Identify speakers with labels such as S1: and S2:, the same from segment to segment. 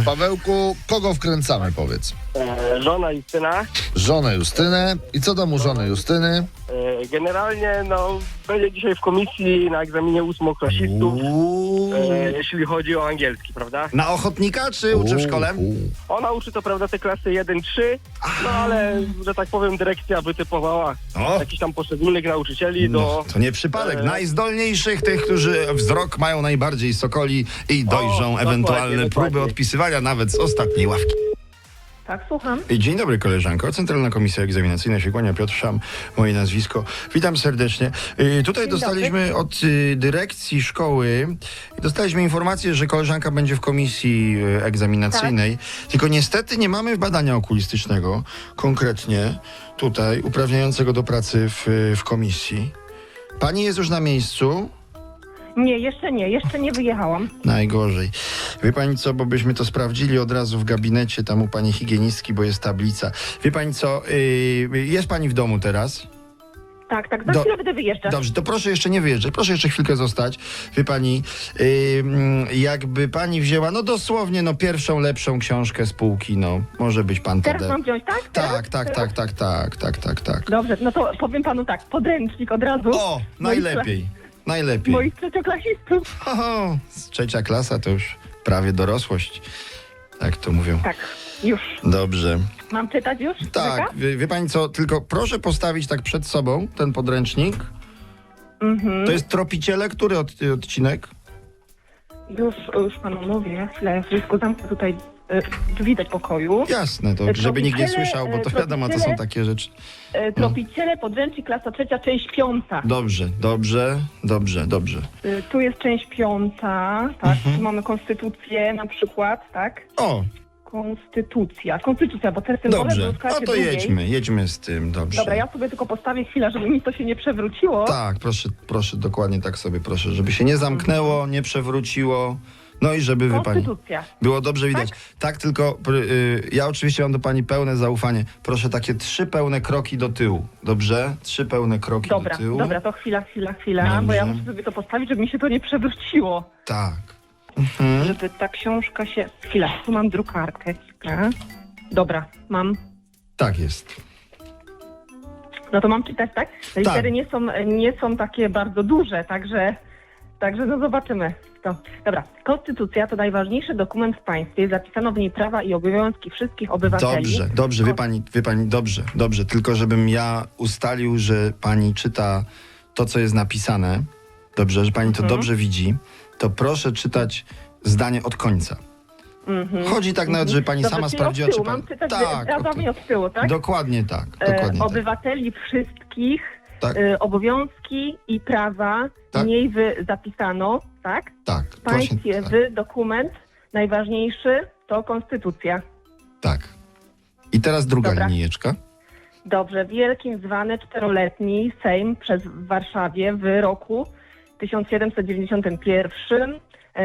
S1: Pawełku, kogo wkręcamy, powiedz?
S2: Żona Justyna.
S1: Żonę Justynę. I co tam u żony Justyny?
S2: Generalnie, będzie dzisiaj w komisji na egzaminie ósmoklasistów, jeśli chodzi o angielski, prawda?
S3: Na ochotnika, czy uczy w szkole?
S2: Ona uczy to, prawda, te klasy 1-3, ale, że tak powiem, dyrekcja wytypowała jakichś tam poszczególnych nauczycieli do...
S3: To nie przypadek. Najzdolniejszych, tych, którzy wzrok mają najbardziej sokoli i dojrzą ewentualne próby odpisywania nawet z ostatniej ławki.
S4: Tak, słucham.
S3: Dzień dobry, koleżanko. Centralna Komisja Egzaminacyjna się kłania, Piotr Szam, moje nazwisko. Witam serdecznie. Tutaj dostaliśmy od dyrekcji szkoły, dostaliśmy informację, że koleżanka będzie w komisji egzaminacyjnej, tylko niestety nie mamy badania okulistycznego, konkretnie tutaj, uprawniającego do pracy w komisji. Pani jest już na miejscu?
S4: Nie, jeszcze nie wyjechałam.
S3: Najgorzej. Wie pani co, bo byśmy to sprawdzili od razu w gabinecie tam u pani higienistki, bo jest tablica. Wie pani co, jest pani w domu teraz?
S4: Tak, za chwilę będę wyjeżdżać.
S3: Dobrze, to proszę jeszcze nie wyjeżdżać, proszę jeszcze chwilkę zostać. Wie pani, jakby pani wzięła, dosłownie, pierwszą lepszą książkę z półki, może być pan
S4: Teraz mam wziąć, tak?
S3: Tak.
S4: Dobrze, to powiem panu tak, podręcznik od razu.
S3: O, najlepiej.
S4: Moich trzecioklasistów.
S3: Trzecia klasa to już prawie dorosłość, tak to mówią.
S4: Tak, już.
S3: Dobrze.
S4: Mam czytać już?
S3: Tak, wie pani co, tylko proszę postawić tak przed sobą ten podręcznik. To jest Tropiciele, który odcinek?
S4: Już panu mówię, chwilę, wszystko zamknę tutaj drzwi do pokoju.
S3: Jasne, to żeby nikt nie słyszał, bo to wiadomo, to są takie rzeczy.
S4: Tropiciele, podręcznik, klasa 3, część 5.
S3: Dobrze.
S4: Tu jest część 5, tak, tu mamy konstytucję na przykład, tak?
S3: O!
S4: Konstytucja, bo te symbole
S3: Dobrze,
S4: były w klasie
S3: to
S4: drugiej.
S3: jedźmy z tym, dobrze.
S4: Dobra, ja sobie tylko postawię chwilę, żeby mi to się nie przewróciło.
S3: Tak, proszę, dokładnie tak sobie proszę, żeby się nie zamknęło, nie przewróciło. I żeby
S4: Konstytucja.
S3: było dobrze widać. Tak, tylko ja oczywiście mam do pani pełne zaufanie. Proszę takie 3 pełne kroki do tyłu. Dobrze? 3 pełne kroki do tyłu.
S4: Dobra, to chwila,
S3: Dobrze.
S4: bo ja muszę sobie to postawić, żeby mi się to nie przewróciło.
S3: Tak.
S4: Żeby ta książka się... Chwila, tu mam drukarkę. Dobra, mam.
S3: Tak jest.
S4: No to mam czytać, tak? Te litery nie są takie bardzo duże, także zobaczymy to. Dobra, Konstytucja to najważniejszy dokument w państwie. Zapisano w niej prawa i obowiązki wszystkich obywateli.
S3: Dobrze, wie pani, dobrze. Tylko żebym ja ustalił, że pani czyta to, co jest napisane, dobrze, że pani to dobrze widzi, to proszę czytać zdanie od końca. Chodzi tak nawet, żeby pani sama sprawdziła, czy pan...
S4: Mam czytać razami od tyłu, tak?
S3: Dokładnie tak.
S4: Obywateli wszystkich,
S3: tak.
S4: Obowiązki i prawa w niej zapisano, tak?
S3: Tak.
S4: W państwie dokument najważniejszy to Konstytucja.
S3: Tak. I teraz druga linijeczka.
S4: Dobrze. Wielkim zwany 4-letni Sejm w Warszawie w roku 1791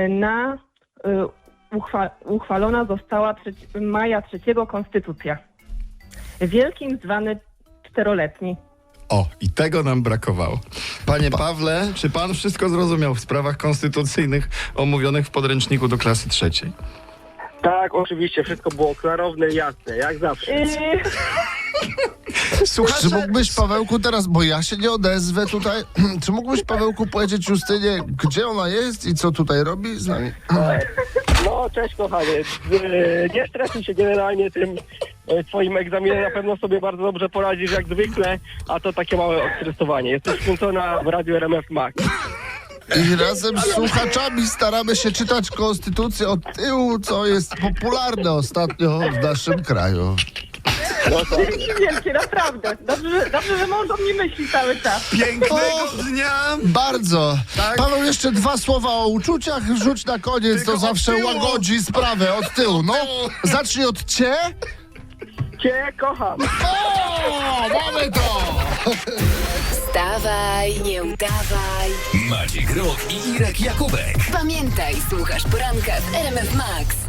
S4: uchwalona została maja 3 Konstytucja. Wielkim zwany 4-letni.
S3: O, i tego nam brakowało. Panie Pawle, czy pan wszystko zrozumiał w sprawach konstytucyjnych omówionych w podręczniku do klasy 3?
S2: Tak, oczywiście, wszystko było klarowne i jasne, jak zawsze.
S1: Słuchaj, czy mógłbyś, Pawełku, teraz, bo ja się nie odezwę tutaj, czy mógłbyś, Pawełku, powiedzieć Justynie, gdzie ona jest i co tutaj robi z nami?
S2: Cześć kochanie, nie stresuj się generalnie tym twoim egzaminem, na pewno sobie bardzo dobrze poradzisz jak zwykle, a to takie małe odstresowanie. Jesteś wkręcona w Radiu RMF Max.
S1: I razem z słuchaczami staramy się czytać Konstytucję od tyłu, co jest popularne ostatnio w naszym kraju.
S4: Dzięki wielkie, naprawdę. Dobrze, że mąż o mnie myśli cały czas.
S3: Pięknego dnia!
S1: Bardzo.
S3: Tak?
S1: Paweł, jeszcze 2 słowa o uczuciach rzuć na koniec,
S3: tylko
S1: to zawsze łagodzi sprawę od tyłu. Zacznij od Cię.
S2: Cię kocham.
S1: O, mamy to!
S5: Wstawaj, nie udawaj.
S6: Maciek Rok i Irek Jakubek.
S5: Pamiętaj, słuchasz poranka w RMF Max.